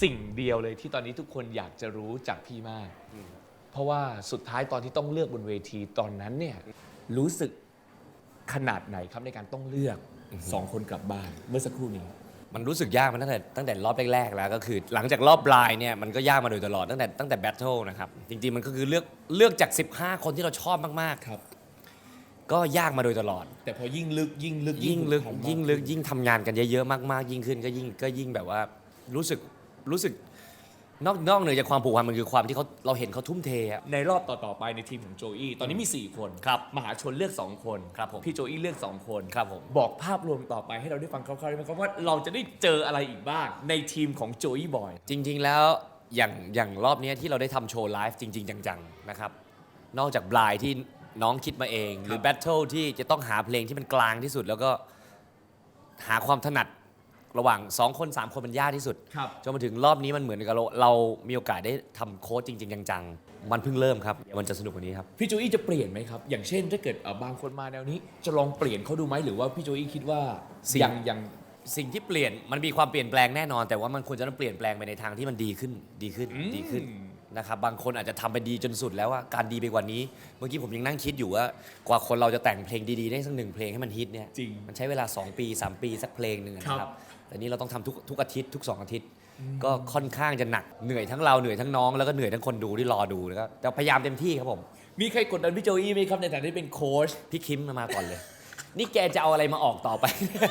สิ่งเดียวเลยที่ตอนนี้ทุกคนอยากจะรู้จากพี่มาก เพราะว่าสุดท้ายตอนที่ต้องเลือกบนเวทีตอนนั้นเนี่ยรู้สึกขนาดไหนครับในการต้องเลือก2 คนกลับบ้านเมื่อสักครู่นี้มันรู้สึกยากมาตั้งแต่รอบแรกๆแล้วก็คือหลังจากรอบบลายเนี่ยมันก็ยากมาโดยตลอดตั้งแต่แบทเทิลนะครับจริงๆมันก็คือเลือกจาก15 คนที่เราชอบมากครับๆก็ยากมาโดยตลอดแต่พอยิ่งลึกยิ่งลึกยิ่งลึกผูพันยิ่งลึกยิ่งทำงานกันเยอะๆมากๆยิ่งขึ้นก็ยิ่งแบบว่ารู้สึกนอกเหนือจากความผูกพันมันคือความที่เราเห็นเขาทุ่มเทอะในรอบต่อๆไปในทีมของโจอี้ตอนนี้มี4 คนครับมหาชนเลือก2 คนครับผมพี่โจอี้เลือก2 คนครับผมบอกภาพรวมต่อไปให้เราได้ฟังคร่าวๆได้ไหมครับว่าเราจะได้เจออะไรอีกบ้างในทีมของโจอี้บอยจริงๆแล้วอย่างรอบนี้ที่เราได้ทำโชว์ไลฟ์จริงๆจังๆนะครับนอกจากบลายที่น้องคิดมาเอง หรือแบทเทิลที่จะต้องหาเพลงที่มันกลางที่สุด แล้วก็หาความถนัดระหว่าง2 คน 3 คนมันยากที่สุดครับจนมาถึงรอบนี้มันเหมือนกับเรามีโอกาสได้ทำโค้ดจริงๆจังๆมันเพิ่งเริ่มครับมันจะสนุกกว่านี้ครับพี่โจอี้จะเปลี่ยนไหมครับ อย่างเช่นถ้าเกิดบางคนมาแนวนี้ จะลองเปลี่ยนเขาดูไหมหรือว่าพี่โจอี้คิดว่าสิ่งยังสิ่งที่เปลี่ยนมันมีความเปลี่ยนแปลงแน่นอน แต่ว่ามันควรจะต้องเปลี่ยนแปลงไปในทางที่มันดีขึ้นนะครับบางคนอาจจะทำไปดีจนสุดแล้วว่าการดีไปกว่านี้ เมื่อกี้ผมยังนั่งคิดอยู่ว่ากว่าคนเราจะแต่งเพลงดีๆได้สัก1 เพลงให้มันฮิตเนี่ยจริงมันใช้เวลา2 ปี 3 ปีสักเพลงหนึ่งนะคครัรับบ แต่นี่เราต้องทำทุกอาทิตย์ทุก2 อาทิตย์ ก็ค่อนข้างจะหนักเหนื่อยทั้งเราเหนื่อยทั้งน้องแล้วก็เหนื่อยทั้งคนดูที่รอดูแล้วก็แต่พยายามเต็มที่ครับผมมีใครกดดันพี่โจอี้ไหมครับในฐานะที่เป็นโค้ชพี่คิมมาก่อนเลย นี่แกจะเอาอะไรมาออกต่อไป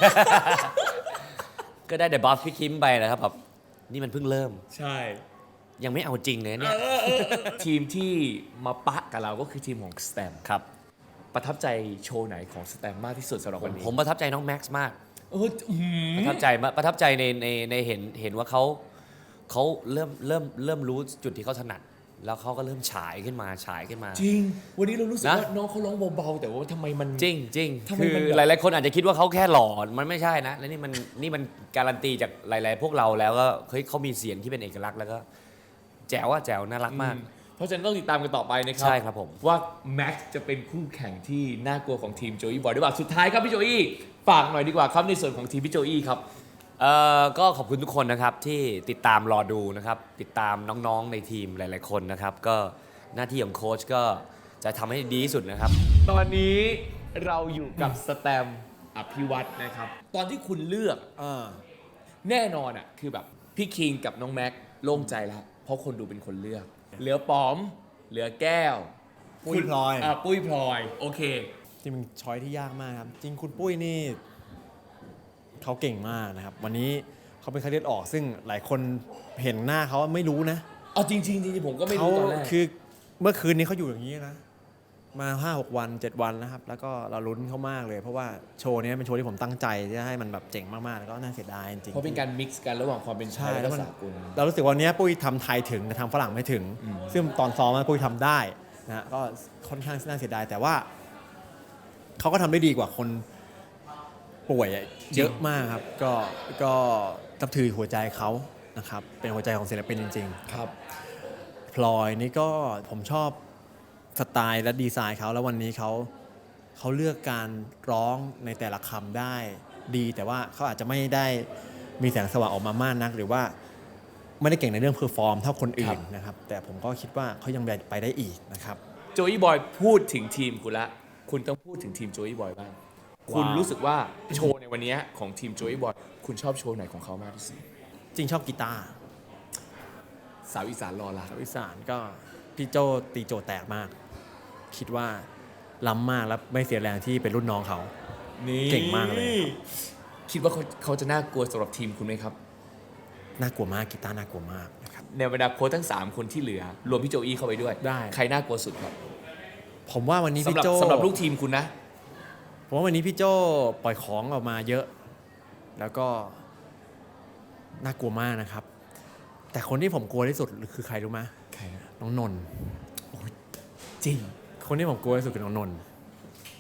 ก็ได้แต่บัฟพี่คิมไปนะครับแบบนี่มันเพิ่งเริ่มใช่ยังไม่เอาจริงเลยเนี่ยทีมที่มาปะกับเราก็คือทีมของสแตมครับประทับใจโชว์ไหนของสแตมมากที่สุดสำหรับวันนี้ผมประทับใจน้องแม็กซ์มากอื้อหือประทับใจในเห็นว่าเขาเริ่มรู้จุดที่เขาถนัด แล้วเขาก็เริ่มฉายขึ้นมาจริง วันนี้เรารู้สึกนะว่าน้องเขาร้องเบาๆแต่ว่าทำไมมันจริงทำไมคือมันแบบหลายๆคนอาจจะคิดว่าเขาแค่หล่อมันไม่ใช่นะ และนี่มันการันตีจากหลายๆพวกเราแล้วก็เฮ้ยเขามีเสียงที่เป็นเอกลักษณ์แล้วก็แจ๋วน่ารักมากเพราะฉะนั้นต้องติดตามกันต่อไปนะครัใช่ครับผมว่าแม็กซ์จะเป็นคู่แข่งที่น่ากลัวของทีมโจอี้บอยหรือเปล่าสุดท้ายครับพี่โจอี้ฝากหน่อยดีกว่าครับในส่วนของทีมพี่โจอี้ครับก็ขอบคุณทุกคนนะครับที่ติดตามรอดูนะครับติดตามน้องๆในทีมหลายๆคนนะครับก็หน้าที่ของโค้ชก็จะทำให้ดีที่สุดนะครับตอนนี้เราอยู่กับสแตมอภิวัตรนะครับ ตอนที่คุณเลือกแน่นอนอ่ะคือแบบพี่คิงกับน้องแม็กโล่งใจแล้ว เพราะคนดูเป็นคนเลือก เหลือป๋อม เหลือแก้วปุ้ยพลอยปุ้ยพลอย โอเคจริงเป็นช้อยที่ยากมากครับ จริงคุณปุ้ยนี่เขาเก่งมากนะครับ วันนี้เขาเป็นไข้เลือดออกซึ่งหลายคนเห็นหน้าเขาไม่รู้นะเอาจริงๆผมก็ไม่เขารู้ตอนแรกคือเมื่อคืนนี้เขาอยู่อย่างนี้นะ มา 5-6 วัน 7 วันนะครับ แล้วก็เราลุ้นเขามากเลย เพราะว่าโชว์นี้เป็นโชว์ที่ผมตั้งใจจะให้มันแบบเจ๋งมากๆ แล้วก็น่าเสียดายจริงๆเพราะเป็นการมิกซ์กันระหว่างความเป็นไทใช่ยแล้และวมันสากลเรารู้สึกว่าวันนี้ปุ้ยทำไทยถึงแต่ทำฝรั่งไม่ถึง ซึ่งตอนซ้อมปุ้ยทำได้นะฮะก็ค่อนข้างน่าเสียดายแต่ว่าเขาก็ทำได้ดีกว่าคนป่วยเยอะมากครับก็นับถือหัวใจเขานะครับเป็นหัวใจของศิลปินจริงๆครับพลอยนี่ก็ผมชอบสไตล์และดีไซน์เขาแล้ววันนี้เขาเลือกการร้องในแต่ละคำได้ดีแต่ว่าเขาอาจจะไม่ได้มีแสงสว่างออกมามากนัก หรือว่าไม่ได้เก่งในเรื่องเพอร์ฟอร์มเท่าคนอื่นนะครับแต่ผมก็คิดว่าเขายังไปได้อีกนะครับโจอี้บอยพูดถึงทีมคุณละ คุณต้องพูดถึงทีมโจอี้บอยบ้าง คุณรู้สึกว่าโชว์ในวันนี้ของทีมโจอี้บอย คุณชอบโชว์ไหนของเขามากที่สุดจริงชอบกีตาร์สาวอีสานรอละชาวอีสานก็พี่โจตีโจแตกมาก คิดว่าล้ำมากแล้วไม่เสียแรงที่เป็นรุ่นน้องเขานี่เก่งมากเลยครับคิดว่าเขาจะน่ากลัวสำหรับทีมคุณไหมครับน่ากลัวมากกีตาร์น่ากลัวมากนะครับในบรรดาโค้ชทั้ง 3 คนที่เหลือ รวมพี่โจอี้เข้าไปด้วยได้ใครน่ากลัวสุดครับผมว่าวันนี้พี่โจสำหรับลูกทีมคุณนะผมว่าวันนี้พี่โจปล่อยของออกมาเยอะ แล้วก็น่ากลัวมากนะครับ แต่คนที่ผมกลัวที่สุดคือใครรู้ไหมใครนะน้องนนท์จริงคนที่ผมกลัวที่สุดคือน้องนนท์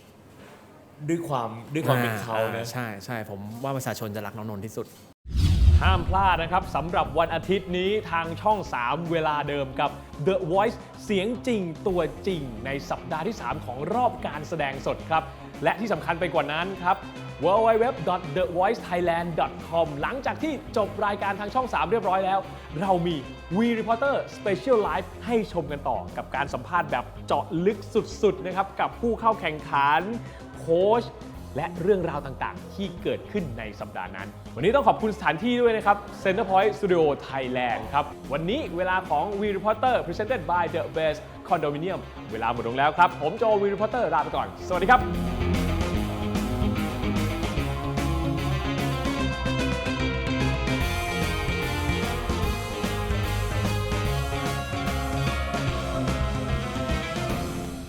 ด้วยความเป็นเขานะใช่ผมว่าประชาชนจะรักน้องนนท์ที่สุดห้ามพลาดนะครับสำหรับวันอาทิตย์นี้ทางช่อง 3 เวลาเดิมกับ The Voice เสียงจริงตัวจริงในสัปดาห์ที่ 3 ของรอบการแสดงสดครับ และที่สำคัญไปกว่านั้นครับ www.thevoicethailand.com หลังจากที่จบรายการทางช่อง 3 เรียบร้อยแล้ว เรามี We Reporter Special Live ให้ชมกันต่อกับการสัมภาษณ์แบบเจาะลึกสุดๆนะครับกับผู้เข้าแข่งขันโค้ชและเรื่องราวต่างๆ ที่เกิดขึ้นในสัปดาห์นั้น วันนี้ต้องขอบคุณสถานที่ด้วยนะครับ Centerpoint Studio Thailand ครับ วันนี้เวลาของ We Reporter Presented by The Best Condominium เวลาหมดลงแล้วครับ ผมโจ We Reporter ลาไปก่อน สวัสดีครับ